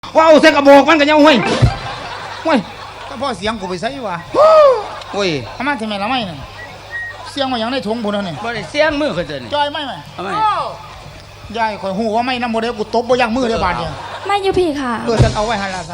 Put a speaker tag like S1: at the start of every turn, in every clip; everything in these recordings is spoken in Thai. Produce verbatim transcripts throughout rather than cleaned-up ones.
S1: ว้าวเสกกระบอกมันกันยังห้วยห้วย
S2: ก็พ่อเสียงกูไปใส่วะ
S1: โอ้ย
S2: ทำไมทำไมละไม่เนี่ยเสียงมาอย่างในถุงพุ่นนี่
S1: บ่ได้เสียงมือเขาเจอนี่
S2: จอยไม่ไหม
S1: ทำไม
S2: ยายข่อยหูว่าไม่น้ำโมเดลกูตบบ่ยังมือเลยบาดเนี่ย
S3: ไม่อยู่พี่ค่ะ
S2: เออฉันเอาไว้ให้ลาสัน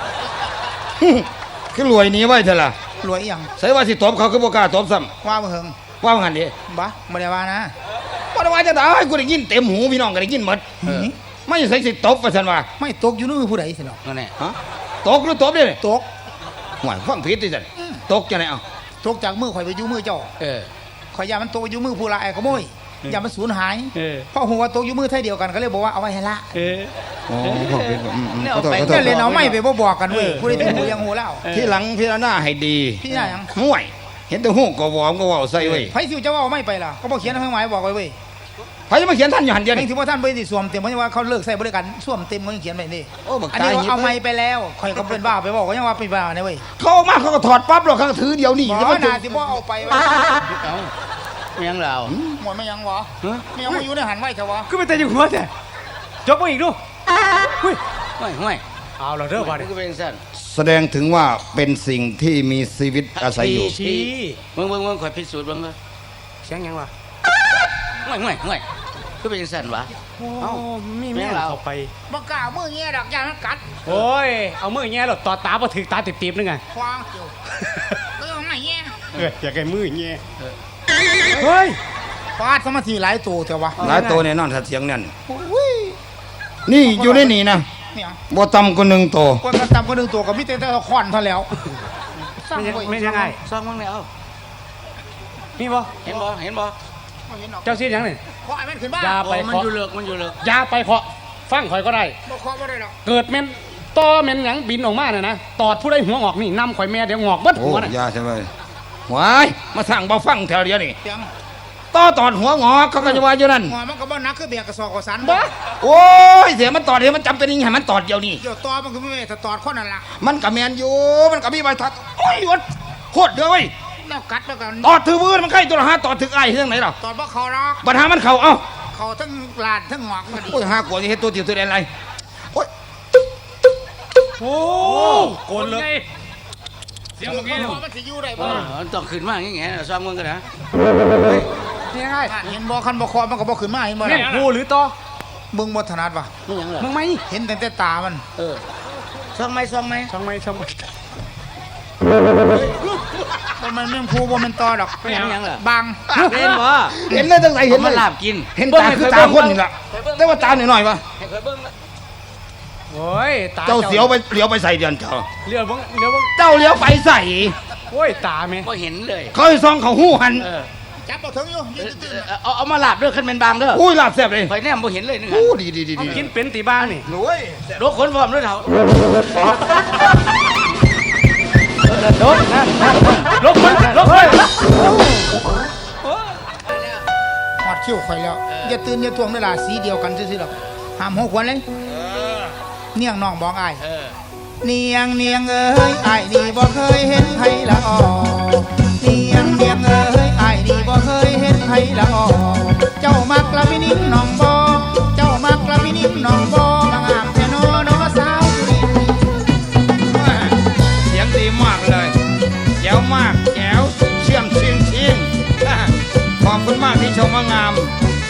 S1: คือรวยนี้ไว้เถอะล่ะ
S2: รวยยัง
S1: ใส่ว่าสิตบเขาคือบ่กล้าตบซ้
S2: ำว่าเหิง
S1: ว่าหันดิ
S2: บ้าบ่ได้ว่านะ
S1: บ่ได้ว่าจะตายกูได้ยินเต็มหูพี่น้องก็ได้ยินหมดไม่ใส่สิตบว่าซั่นว่า
S2: ไม่ตกอยู่นู่นผู้ใดสิเนาะ
S1: นั่นแหละฮะตกหรือตบดิ
S2: ตก
S1: หวยฟังผิดดิซั่นตกจังได๋เอ้า
S2: ตกจากมือข่อยไปอยู่มือเจ้า
S1: เออ
S2: ข่อยยามันตกอยู่มือผู้ลายขโมยอย่ามันสูญหายเพราะหัวตกอยู่มือไทยเดียวกันก็เลยบอกว่าเอาไว้ให้ละ
S1: เอออ๋อ
S2: ขอเป็นเนี่ยเอาไปเนี่ยเลยเอาไม่ไปบ่บอกกันเว้ยผู้ใดหูยังหูแล้ว
S1: ที่หลังพิจารณาให้ดี
S2: พี่น่ายัง
S1: ห่วยเห็นแต่หูก็วอมก็เว้าใส่เว้ย
S2: ไผสิจะว่าไม่ไปล่ะก็บ่เขียนให้หมายบอกไว้เว้ย
S1: ไผจะมาเขียนท่านอยู่หันเดียวนี่
S2: ถือว่าท่านไปสิสวมเต็มเพราะว่าเขาเลิกใส่บริการสวมเต็มเขายังเขียนไว้นี่อันนี้เอาไม่ไปแล้วข่อยก็เป็นบ้าไปบอกว่ายังว่าเป็นบ้าเนี่ยเว้ย
S1: เขามาเขาก็ถอดปั๊บหรอกเขาถือเดียวนี่
S2: บ่น่าสิบ่เอาไปไว้
S1: ไม่ยังเรา
S2: หมดไม่ยังวะไม่ยังมาอยู่ในหันไว้เถอะวะ
S4: ก็ไปแต่อยู่หัวแต่จบมาอีกดู
S1: หุ้ยห่วยห่วย
S4: เอาเราเด้อว่าเนี่ย
S1: แสดงถึงว่าเป็นสิ่งที่มีชีวิตอาศัยอยู่
S4: ชี้
S1: มึงมึงมึงคอยพิสูจน์มึงเลย
S4: เสียงยังวะ
S1: ห่วยห่วยห่วยก็เป็นสั่นวะ
S4: เอ้ามีแม่เราเอาไป
S2: บ่กล้ามือเงี้ยดอกยามันกัด
S4: โอ้ยเอามือเงี้ยหรอต่อตาบ่ถึงตาติบๆนึงไง
S2: ควางอยู่เออไม่เงี้ย
S4: เอออยากให้มือเงี้ยเฮ้ย
S2: ฟาดสมาธิหลายตัวเถอะวะ
S1: หลายตัวเนี่ยนอนเสียงนั่นนี่อยู่ในนี่นะบ่ต่ำกว่าหนึ่งตัว
S2: ก็ต่ำกว่าหนึ่งตัวก็มีแต่แต่ขวัญเท่าแล้ว
S4: ไม่ยังไง
S1: ซ่องมึงแล้ว
S4: มีบ่
S1: เห็นบ่เห็นบ่
S4: เจ้าเสียยังนี่
S2: ขอไอ้มันขึ้นบ้าน
S4: ยาไป
S1: มันอยู่เลิกมันอยู่เลิก
S4: ยาไปเคาะฟังข่อยก็ได้
S2: บ่เคาะบ่ได้หรอก
S4: เกิดเม่นต่อเม่นหยังบินออกมาเนี่ยนะตอดผู้ใดหัวงอกนี่นำข่อยแม่เดี๋ยวงอกเบิดหัวน่ะ
S1: ยาใช่ไหมว้ายมาสั่งบ่ฟังแถวเดียวนี่ต่อตอดหัวงอกเขาก็จะว่าอยู่นั่น
S2: หัวมันก็บ่นักคือเบียกระสอบกระสัน
S1: บ่โอ้ยเสียมันตอดเดี๋ยวมันจำเป็นยังไงมันตอดเดียวนี่
S2: เดี๋ยวตอมันคือไม่ถ้าตอดคนนั่นล่ะ
S1: มันกับแมนอยู่มันกับมีใบทัดโอ้ยวัดโคตรเด้อเว้ย
S2: แล้วกัดแล้วกัน
S1: ตอดถือมือมันใกล้ตัวละห้าตอดถึงไอ้เรื่องไหนหรอ
S2: ตอดบ่เขาหรอก
S1: ปัญหามันเข่าเอ้า
S2: เขาทั้งลานทั้งหงอกพอดี
S1: โอ้ยห้ากว่าจะเห็นตัวเดียวตัวเดียวอะไรโอ้ย
S4: โอ้โกนเลย
S2: เสียงเมื่อกี้มันสิอยู่ได้บ่
S1: ต้องขึ้นมาอย่างเงี้ยซ้อมมึงกันนะ
S2: นี่ไงเห็นบ่คันบ่คอมันก็บ่ขึ้นมาเห็นบ่
S4: แม่ผู้หรือต่อ
S2: มึงบ่ถนัดวะ
S4: มึงไหม
S2: เห็นแต่แต่ตามัน
S1: เออซ้อมไหมซ้อมไหม
S4: ซ้อมไหมซ้อมไหม
S2: มันมันไม่พูบ่มันต่อดอก
S1: ไม่ยังยังเหรอบ
S2: าง
S1: เห็นบ่เห็นเลยตั้งแต่เห็นมันลาบกินเห็นตาคือตาคนนี่แหละได้ว่าตาหน่อยหน่อยวะ
S4: โอ้ย
S1: ตาเจ้าเสียวไปเลี้ยวไปใส่เดือนเจ้า
S4: เลี้ยวบ้งเลี้ยวบ้ง
S1: เจ้าเลี้ยวไปใส่
S4: โอ้ยตาไหม
S1: ก็เห็นเลยเขาซองเขาหู้หัน
S2: จับเอาถึงอยู่
S1: เอาเอามาลาบเด้อขึ้นเป็นบางเด้ออุ้ยลาบแซ่บเลยไฟแนมบ่เห็นเลยนึงอู้ดีดีดีดี
S4: กินเป็นตีบ้างนี่
S1: รวยรถขนฟอร์มด้วยเถอะ
S4: โดนนะลบมันลบมัน
S2: หอดคิ้วข่อยแล้วอย่าตื่นอย่าทวงเวลาสีเดียวกันซื่อๆหรอกห้ามหัวควันเลยเนียงน้องบอกไอ้เนียงเนียงเอ้ยไอ้นี่บ่เคยเห็นไผละออเนียงเนียงเอ้ยไอ้นี่บ่เคยเห็นไผละออเจ้ามักละพินิจน้องบ่เจ้ามักละพินิจน้องบ่มางามแท้โนโนสาวสุรินทร์
S1: เสียงดีมากเลยแจ๋วมากแจ๋วเชื่อมเชียงเชียงขอบคุณมากที่ชมว่างาม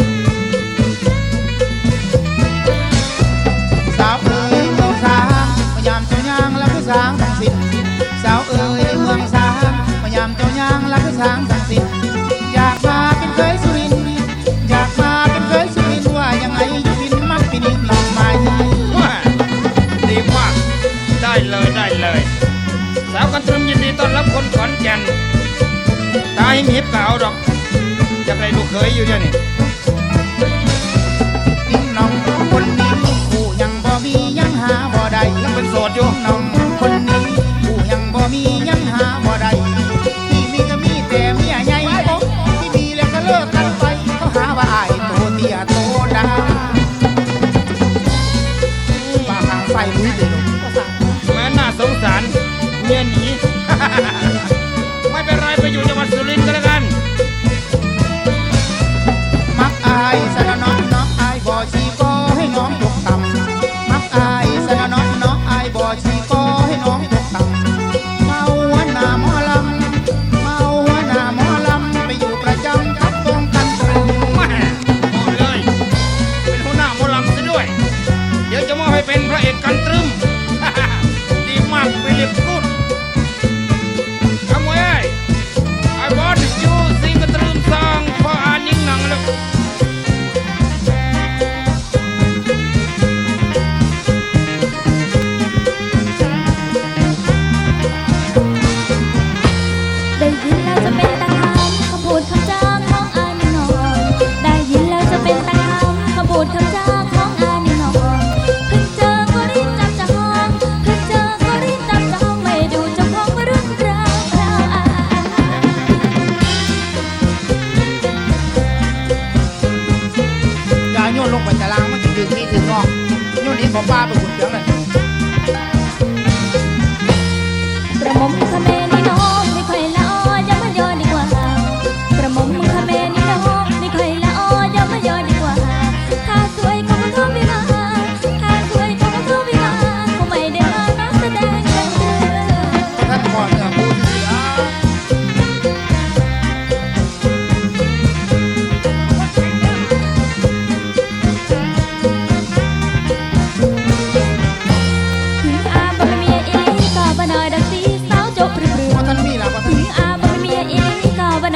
S2: สาวเอ๋ยเมืองสางพยายามเจ้ายางและคือสางสังสิทธิ์สาวเอ๋ยเมืองสางพยายามเจ้ายางและคือสางสังสิทธิ์อยากมาเป็นเคยสุรินทร์อยากมาเป็นเคยสุรินทร์ว่ายังไงอยู่บินมักปินิลองมา
S1: ดีมากได้เลยได้เลยสาวกันตรึมยินดีต้อนรับคนขอนแก่นตาหิมหิบเก่าดอกจะไปดูเคยอยู่เนี่ยนี่
S2: นิ่งน้องคนนี้ผู้ยังบ่มียังหาบ่ได้
S1: ยังเป็นโสดอยู่
S2: น้องคนนี้ผู้ยังบ่มียังหาบ่ได้ที่มีก็มีแต่เมียใหญ่ที่มีแล้วก็เลิกกันไปเขาหาว่าอ้ายโตเตี้ยโตดาว่าหางไฟลุยเลย
S1: แม่น่าสงสารเมียหนีไม่เป็นไรไปอยู่จังหวัดสุรินทร์ก็แล้วกัน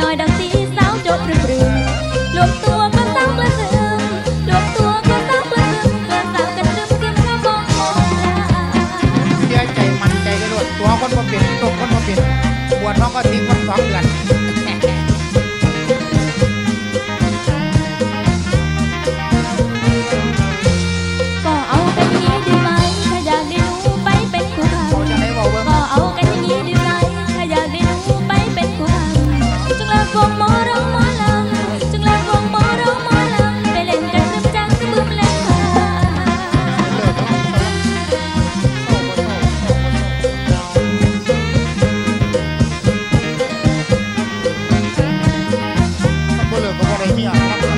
S3: น้อยดังสีสาวจบปรือรวมตัวก็สาวกระเสือมรวมตัวก็สาวกระเสือมเกิดสาวกันรึมรึมกระบองโอลา
S2: เสียใจมันใจกระโดดตัวคนบ่เป็นตกคนบ่เป็นบวชน้องก็ทิ้งคนสองเดือน
S3: ก็เอากันอย่างนี้ดีไหมถ้าอยากได้หนูไปเป็นคู่พา
S2: เขาจะได้บอกเบิ่ง
S3: ก็เอากันอย่างนี้ดีไหมถ้าอยากได้หนูไปเป็นคู่พาจึงเลิกวงหมอร้องหมอลำจึงเลิกวงหมอร้องหมอลำไปเล่นกันซึมจังซึมบึ้มเล่นค่ะ
S2: เลิกแล้วโอ้โหโอ้โหถ้าบ่เลิกก็บ่ได้เมียรับกัน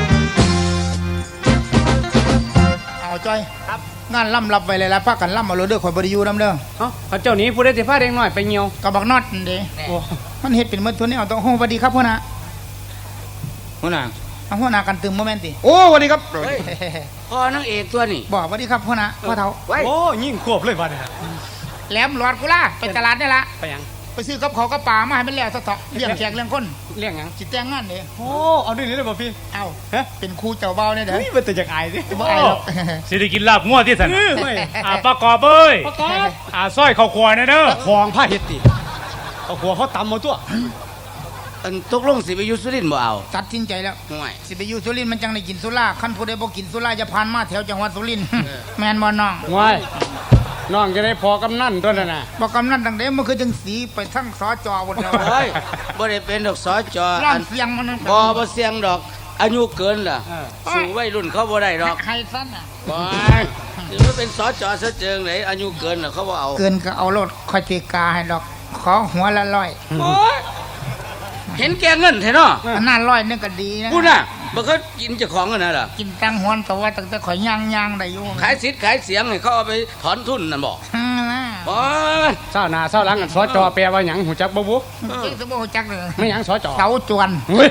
S2: เอาจ้อย
S4: ครับ
S2: งานล่ำรับไว้เลยละพักกันล่ำเอาเลยเด้อข่อยบ่ได้อยู่นำเด้อ
S4: เอ้าเขาเจ้านี้ผู้ได้สิพาเด็กน้อยไปเหี่ยว
S2: กับบักน็อตนั่นเด้
S4: โอ้
S2: มันเฮ็ดเป็นหมดทุนนี่เอาต้องโฮสวัสดีครับพ่อนะ
S1: หัวหน้า
S2: เอาพ่อนะกันตึมบ่แม่นติ
S1: โอ้สวัสดีครับ
S5: พ่อนางเอกตัวนี่
S2: บอกสวัสดีครับพ่อนะพ่อเฒ่า
S5: ไว้
S4: โอ้ยิ่งควบเลยบัดนี้
S2: แหลมหลอดกูล่ะไปตลาดนี่ละ
S4: ไปหยัง
S2: ไปซื้อกับเขาวกับปลามาให้มันแล้วซะเถาะเลี้ยงแขกเลี้ยงคน
S4: เลี้ยงหยัง
S2: สิแต่งงานเด้
S4: โอ้เอาด้วยนี่เลยบ่พี่
S2: เอ้า
S4: ฮะ
S2: เป็นครูเจ้าเบาเนี่ยเด้อ
S4: นี่มันแต่จากอายสิ
S2: บ่อายหรอก
S6: สิได้กินลาบงัวที่สัน
S4: เออเว้ย
S6: อ่าประกอบเอ้ย
S4: ประกอบ
S6: อ่าสร้อยข้าวควายนะเด้อ
S4: ของผ้าเฮ็ดติเอาหัวเขาตำมาตัว
S5: อันตกลงสิไปอยุสุรินทร์บ่เอา
S2: ตัดสินใจแล้ว
S5: ห่วย
S2: สิไปอยู่สุรินทร์มันจังได้กินสุราคันผู้ใดบ่กินสุราจะผ่านมาแถวจังหวัดสุรินทร์แม่นบ่น้อง
S4: ว้ายน้องจะได้พอกำนันตัวนั่นน่ะ
S2: บ่กำนันตั้งแต่มันคือจังสีไปทั้งสจหมดแล้ว
S5: เฮ้ยบ่ได้เป็นดอกสอจอ
S2: ร้อ
S5: อั
S2: น
S5: น
S2: เสียงมันนั่น
S5: บ่บ่เสียงดอก อายุเกินล่ะ
S4: เออ
S5: สู่วัยรุ่นเขาบ่ได้ดอก
S2: ให้ซั่นน่ะ
S5: บ่ถือว่าเป็นสอจอซะเจิงไหนอายุเกินน่ะเขาบ่เอา
S2: เกินก็เอารถคอยตีกาให้ดอกขอหัวละร้อย
S5: โอ้ยเห็นแก่เงินแท้เนาะ
S2: อันนั้นร้อยนึงก็ดีนะ
S5: พูดน่ะบ่เคยกินเจ้าของกันน่ะล่ะ
S2: กินตังหวนแต่ว่าตั้งแต่ข่อยย่างย่างได้อยู่
S5: ขายสิทธิ์ขายเสียงให้เขาเอาไปถอนทุนนั่นบ่
S2: อืมนะ
S5: บ่
S4: เศร้าหน้าเศร้าหลังกันสอจอแปลว่าหยังหูจักบ่บุ
S2: เจ๊สมบูรจักเลย
S4: ไม่หยังสอจอ
S2: เสาจวน
S4: เฮ้ย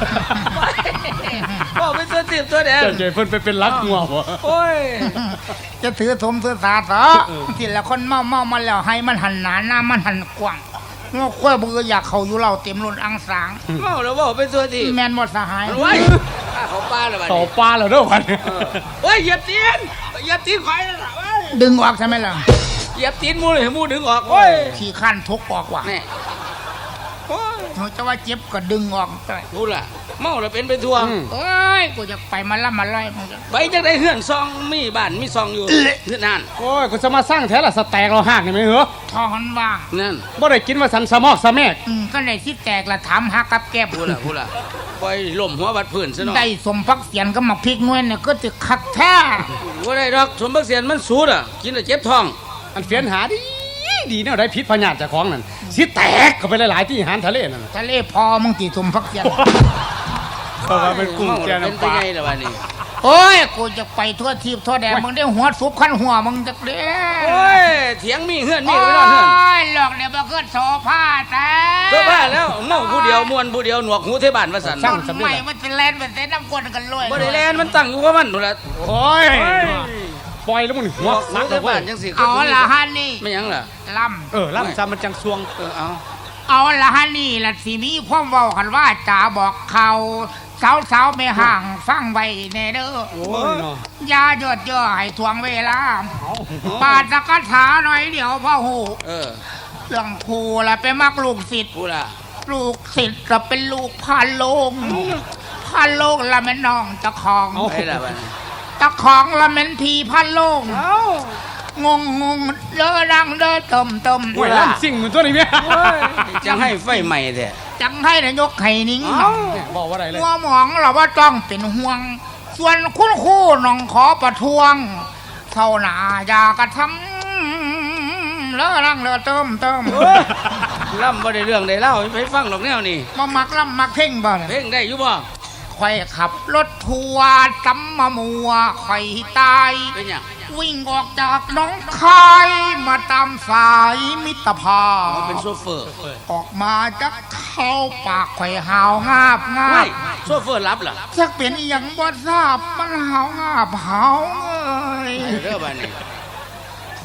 S5: บ่เป็นตัวติบตัวแดง
S4: เจ้าเจเพิ่นไปเป็นรักงัวบ่
S5: โอ้ย
S2: จะถือสมถือสาเถอะทีละคนเมาเมามาแล้วให้มันหันหนาหน้ามันหันกว้างงอค่อยเบื่ออยากเขาอยู่เราเต็มล้นอังสาง
S5: เมาแล้วบ่เป็นตัวติบ
S2: แมนหมดสหาย
S5: ไว้ข้าเขาป้าแล้วบัด
S4: ต่อ
S5: นี้
S4: ปลาแล้วเด้อวันนี้
S5: เฮ้ยเหยียบตีนเหยียบตีนข่อยนั่นน่ะเว้ย
S2: ดึงออกใช่ไหมล่ะ
S5: เหยียบตีนหมูเลยให้หมูดึงออกโอ้ย
S2: ขี่ขั้นทุกออกว่ะ
S5: แน่โอ้ย
S2: เขาจะว่าเจ็บก็ดึงออกได้
S5: พูดล่ะเมาแล้วเป็นไปทั่ว
S4: อืม
S2: เอ้ยกูจะไปมาล่ำมาไล่มึงจะ
S5: ไปจังได้เฮือนซองมีบ้านมีซองอยู่เฮือนนั่น
S4: โอ้ยกูจะมาสร้างแท้ละสแต็กเราหากนี่ไหมเหรอ
S2: ทอหันว่าง
S5: นั่น
S4: บ่ได้กินว่าสันสะมอกสะแมก
S2: อืมก็เลยที่แตกละถามหากับแก้บ
S5: พูดล่ะพูดล่ะปล่อยล่มหัวบัดพื้นซะหน่อย
S2: ได้สมพักเสียนก็มาพริกนวลเนี่ยก็จะคักแท้
S5: ว่าได้ดอกสมบักเสียนมันสูดอ่ะกินแล้วเจ็บท้อง
S4: อันเฟียนหาดีดีเนี่ยได้พิษพญาติเจากของนั่นสิแตกเข้าไปหลายๆที่อาหารทะเลนั่นน่ะ
S2: ทะเลพอมึงตีสมพักเสียน
S4: เพราะว่าเป็นกุ้งแช่
S5: เป็น
S4: น้ำ
S5: ไป
S4: ปลา
S5: ไงล่ะวันนี้
S2: โอ้ยกูจะไปทั่วทีบทั่วแดนมึงได้หัวซุปขั้นหัวมึงจะเด้
S5: โอ้ยเถียงมีเฮือนมี
S2: โอ้
S5: ไปนอนเฮือน
S2: ยหลอกเนี่ยมาเกิดโซฟาแต่
S5: เพื่อบ้าแล้วเมาผู้เดียวมวนผู้เดียวหนวกหูเทบานว่าสัน
S2: ต้นใหม่มันจะแลนเป็นเส้นน้ำกวนกันเลย
S5: บ่ได้แลนมันตั้งอยู่กับมันนู่นล่ะ
S4: โอ้ยปล่อยแล้วมึง
S5: หน
S4: หัว
S5: วกหู
S4: สัก
S5: เท
S4: แล้วเว้
S5: บาย นจังสิ
S2: เอาละฮันนี่
S5: ไม่หยังล่ะ
S2: ล
S4: เออล่ำซามันจังซวง
S5: เออเอา
S2: ำเอาละฮันนี่ละสิมีความเว้ากันว่าจ่าบอกเขาสาวสาวๆไม่ห่างฟังไว้แน่เด้อ
S4: โอ้ยเนาะ
S2: อยาหยดเย่อให้ทวงเวลาปาดสกัดถาหน่อยเดี๋ยวพ่อหู
S5: เออ
S2: เรื่องครูละไปมักลูกศิษย์
S5: พูดล่ะ
S2: ลูกศิษย์ก็เป็นลูกพานโลงพานโลงละแม่นน้องตะของ
S5: ไปล่ะวันนี้
S2: ตะของละแม่นพีพานโลงงงงงเด้อดังเด้อเติมเติม
S4: โอ้ยล่ำสิ่งเหมือนตัวนี้เมีย
S5: จังให้ไฟใหม่แท้
S2: จังให้นายกไข่นิ้ง
S4: เนี่ยบอกว่าอะไรเลย
S2: หัวหมองเราว่าต้องเป็นห่วง ส่วนคุณครู่น้องขอประท้วงเท่าหนาอยากระทำเลอะรังเลอะเติมเติม
S5: ล่ำบ่ได้เรื่องได้เล่าไปฟังดอกแนวนี่
S2: มามักล่ำมักเพ่งบ่เนี่ย
S5: เพลงได้อยู่บ่
S2: ข่อยขับรถทัวร์จำมามัวข่อยตาย
S5: เป็นหยัง
S2: วิ่งออกจากหน้องคายมาตามสายมิตรภาพ
S5: เอาเป็นโซเฟอร์
S2: ออกมาจากเข้าปากข่อยหาวงาบงา
S5: ไม่
S2: บ
S5: โซเฟอร์รับล่ะ
S2: สักเป็นอหย่างบ่ทราบมันหาวงาบหาวเอ้ย
S5: เด้อบัดนี้
S2: ค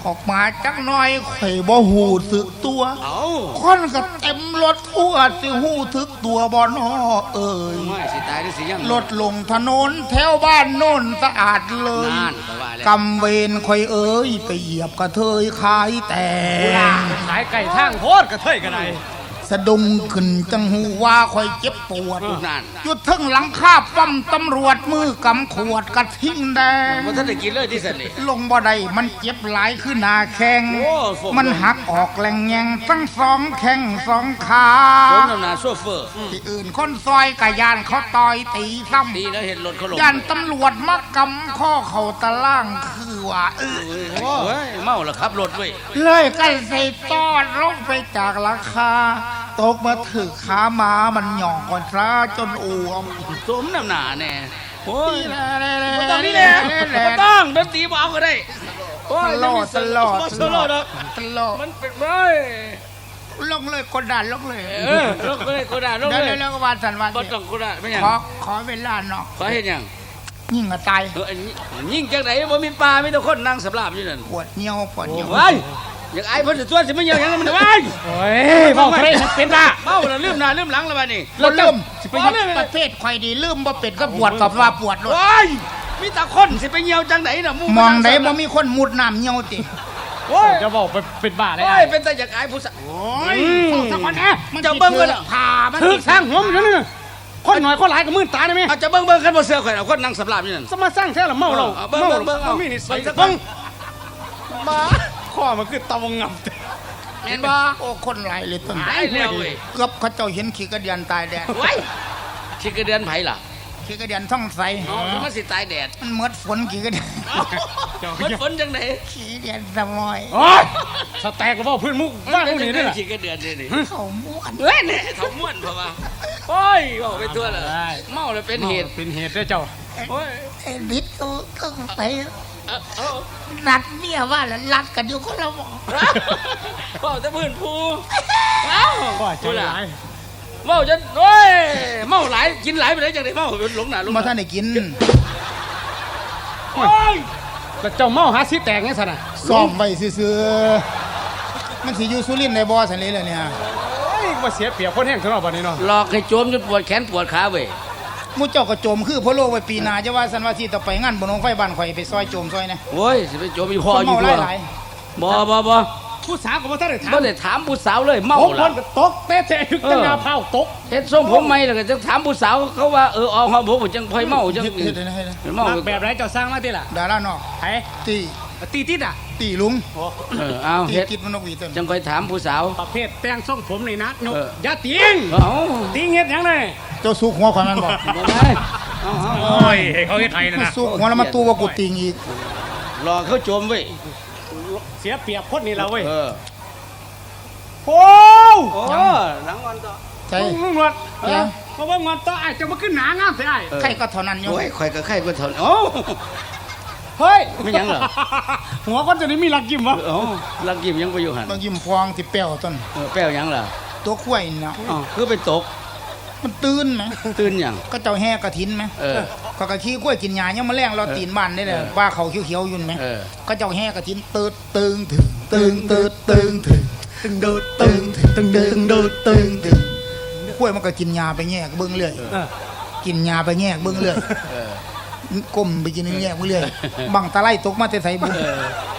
S2: ออกมาจักหน่อยข่อยบ่หูสึกตัว
S5: เอา
S2: คนก็เต็มรถทั่วสิหูทึกตัวบ่นอเอ่ย
S5: ไม่สิตายหรือสิยัง
S2: รถลงถนนแถวบ้านโน่นสะอาดเลย
S5: นานก็ว่าแล้ว
S2: กำเวรข่อยเอ้ยไปเหยียบกระเทยขายแต่ง
S4: ขายไก่ทางโพดกระเทยกันได
S2: สะดุ้งขึ้นจังหูว่าข่อยเจ็บปวด
S5: นาน
S2: หยุดทึ่งหลังคาปั๊มตำรวจมือกำขวดกระทิ้งแดง
S5: ว่าท่านได้กินเลยที่สันนี่
S2: ลงบ่ได้มันเจ็บหลายขึ้นหนาแข้ง
S5: โอ้โห
S2: มันหักออกแหลงแยงทั้งสองแข้งสองขา
S5: ผมนำหนาโซเฟอร์
S2: ที่อื่นคนซอยกะยานเขาต่อยตีซ้
S5: ดีแล้วเห็นรถเขาลง
S2: ำยานตำรวจมากำข้อเข่าตะล่างคือว่าเออ
S5: โอ้ยเมาแล้วขับรถเว้ย
S2: เลยกันใส่ตอดลงไปจากราคา ตกมาถือขาหมามันหย่องก่อนซะจนอ้วม
S5: สมน้ำหนาแน่โอ้ย
S2: แหละ
S5: บ่ต้องนี่แหละบ่ต้องดนตรีบ่เอาก็ได้โอ้
S2: ต
S5: ย
S2: ลอดตลอด
S5: ตลอดเนาะ
S2: ตลอด
S5: มันเป็นเว้ย
S2: ลงเลยกดดันลงเลย
S5: เออลงเลยกูด่าลง
S2: เดี๋ยว
S5: เลย
S2: เดี๋ยวก็วานสันวาน
S5: บ่ต้องกูด่าไม่หยัง
S2: ขอขอเวลาเนาะ
S5: ขอเฮ็ดหยัง
S2: ยิ่งกระตาย
S5: เอออันนี้ยิ่งจังไหนบ่มีปลามีแต่คนนั่งสำราบอยู่นั่น
S2: ปวดเหี่ยวปวดเหี่ยว
S5: เว้ยอยากอายเพิ่นสิตัวสิมาเหี่ยวหยังมันเว้ย
S4: โอ้ยเว้าเทะเลเป็นบ้า
S5: เมาแล้วลืมหน้าลืมหลังแล้วบัดนี้
S2: เราเริ่ม
S5: สิไปเหี่ยว
S2: ประเภทใครดีลืมบ่เป็ดก็ปวดกับว่าปวดเลย
S5: โอ้ยมีแต่คนสิไปเหี่ยวจังไหนน่ะห
S2: มองไหนบ่มีคนมุดน้ำเหี่ยวติ
S5: โอ้ย
S4: จะบอกไปเป็นบ้าได้
S5: โอ้
S4: ไอ้
S5: ยเป็นแต่อยากอายผู้สาว
S2: โอ้ยสักวันนะมัน
S5: จะเบิ่งกันเหรอ
S2: พามัน
S4: ถึกสร้างหัวมันอยู่นั่นน่ะคนหน่อยคนหลายก็มืดตาได้ไหม
S5: เอาจะเบิ่งเบิ่งคันบ่เสือข่อยเอาคนนั่งสำราบอยู่นั่น
S4: สมาสร้างแท้ละเมาเรา
S5: เอาเบิ่ง
S4: เมา
S5: เบิ่งเบิ่งเอา
S4: บ่มีนิสัย
S5: เบิ่งสัก
S4: เบิ่งมาข้อมันคือตะวงงับ
S5: แม่นบ่
S2: โอ้คนหลายเลยต้น
S5: ตายแล้วเว้ย
S2: เกือบเขาเจ้าเห็นขี้กระเดียนตายแดด
S5: ไว้ขี้กระเดือนไผล่ะ
S2: ขี้กระเดียนท่องใส
S5: เอามันสิตายแดด
S2: มันหมดฝนขี้กระเดียน
S5: มันฝนจังไหน
S2: ขี้กระเดียนสมอย
S4: โอ้ยสแต็กก็บอกพื้นมุกว่าพวกนี้ด้วยล่ะ
S5: ขี้กระเดือนนี่นี่
S2: เขาม้วน
S5: เฮ้ยเนี่ยเขาม่วนเพราะว่าโอ้ยบอกไปทั่วเลยเมาแล้วเป็นเหตุ
S4: เป็นเหตุด้วยเจ้า
S5: โอ้ย
S2: ไอ้นิดก็ก็ไป
S5: เอาเอา
S2: นัดเมียว่าแล้วรัดกันอยู่คนละหมอ
S5: เมาแต่พื้นภูเอ้า
S4: ก็ใจร้าย
S5: เมาจนโอ้ยเมาหลายกินหลายไปไหนจังไดเมาหลงหน้าหลง
S2: มา
S5: ตา
S2: ท่านได้กิน
S5: โอ้ย
S4: แล้วเจ้าเมาหาสิแตกไงสันน่ะ
S2: ซ้อมไว้ซื่อๆมันสิอยู่สุรินทร์ในบ่อสันเลยเลยเนี่ย
S4: โอ้ยว่าเสียเปรียบคนแห้งเท่านั้นบัดนี้เนาะ
S5: หลอกให้โจมจนปวดแขนปวดขาเว้ย
S2: หมูเจ้าก็โจมคือพะโลกไว้ปีหน้าจะว่าสันว่าสิต่อไปงานบนโรงไฟบ้านข่อยไปซอยโจมซอยนะ
S5: โอ้ยสิไปโจมอี
S2: ค
S5: พ่อน อยู่
S2: เมา
S5: ด้วย
S2: หลาย
S5: บ่บ่บ่
S4: ผู้สาวก็บ่ทันได้ถาม
S5: บ่ได้ถามผู้สาวเลยเมา
S4: ผมค
S5: ล่ะ
S4: นก็ตกเตะเตะถึกจังหน้าเผาตก
S5: เฮ็ดทรงผมใหม่แล้วก็จะถามผู้สาวเขาว่าเออออกมาบ่จังค่อยเมา
S2: ๆ
S5: จัง
S2: เฮ็ดเฮ็ดให้นะ
S5: เมา
S4: มักแบบไรเจ้าสร้างมาติล่ะ
S2: ดารานอก
S4: ไผ
S2: ตี
S4: ตีติดอ่ะ
S2: ตีลุง
S5: เออเอา
S2: ตี
S5: เฮ็ด
S2: กิดมันนกหวีต้น
S5: จังค่อยถามผู้สาว
S4: ประเภทแต่งทรงผมนี่นะยก
S5: เออ
S4: อย่าติง
S5: เอา
S4: ติงเฮ็ดหยังเลย
S2: เจ้าสุกหัวข่อยมันบอก
S5: บ่ได้เอาเอา
S6: โอ้ยให้เขาเฮ็ดไทยนะนะ
S2: สุกหัวแล้วมาตู้ว่ากูติงอีก
S5: รอเขาโจมเว้ย
S4: เสียเปรียบคนนี่ละเว้ย
S5: เออ
S4: โอ้
S5: โอ้หลังวันต่อ
S2: ใช่
S4: ลุงหนวด
S2: เออ
S4: เพราะว่างอนต่อไอ้จะมาขึ้นหนางามใส่ไอ้
S2: ใครก็เท่านั้นอยู่
S5: โอ้ยข่อยก็ไข่ก็ทนโอ้
S4: เฮ้ย
S5: ไม่หยังเหรอ
S4: หัวคนจะได้มีหลักยิ้มวะ
S5: โอ้ลักยิ้มยังไปอยู่หั่น
S2: บางยิ้มฟองที่เปรี้ยวต้น
S5: เออแป้วหยังล่ะ
S2: ตัวข้วยนี่นะ
S5: อ๋อคือไปตก
S2: มันตื่นไหม
S5: ตื่นหยัง
S2: ก็เจ้าแห่กระถินไหม
S5: เออ
S2: ก็กะขี้กล้วยกินหญ้ายังมาแรงเราตีนบ้านได้เลยว่าเขาเขียวๆอยู่ไหม
S5: เออ
S2: ก็เจ้าแห่กระถินตืดตึงถึงตึงตืดตึงถึงตึงดูดตึงถึงตึงดึงดูดตึงถึงกล้วยมันก็กินหญ้าไปแง่เบิ้งเรื่อย
S4: เออ
S2: กินหญ้าไปแง่เบิ้งเรื่อย
S5: เออ
S2: ก้มไปกินแง่เบิ้งเรื่อยบังตะไลตกมาแต่ใส่บุ
S5: เออ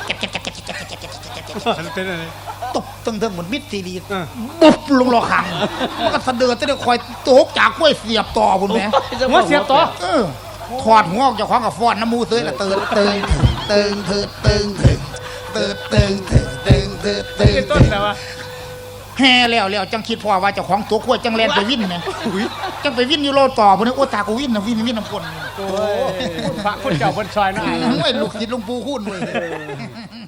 S4: เป็นอะไร
S2: ตบตึงถึงหมดมิดซีรี
S4: เออ
S2: บุบลงรอขังมันก็สะเดือดจะได้คอยตกจากกล้วยเสียบต่อบุญแม่
S4: หัวเสียบต่อ
S2: เออถอดหัวออกจากของกับฟอนน้ำมูเสื้อละเติงเติงเติงเติงเติงเติงเติงเติงเติงเติงเติงเติง
S4: เป็นต้นแต่ว่า
S2: แห่แล้วแล้วจังคิดพอว่าเจ้าของตัวขวดจังแลนไปวิ่นไงจังไปวิ่นอยู่โลต่อพุ่นโอ้ตากูวิ่นนะวิ่นวิ่นน้ำคน
S4: โอ้ยพระคุณเจ้าบนซอยนะไอ้
S2: โอ้ยลูกศิษย์หลวงปู่คุณเว้ย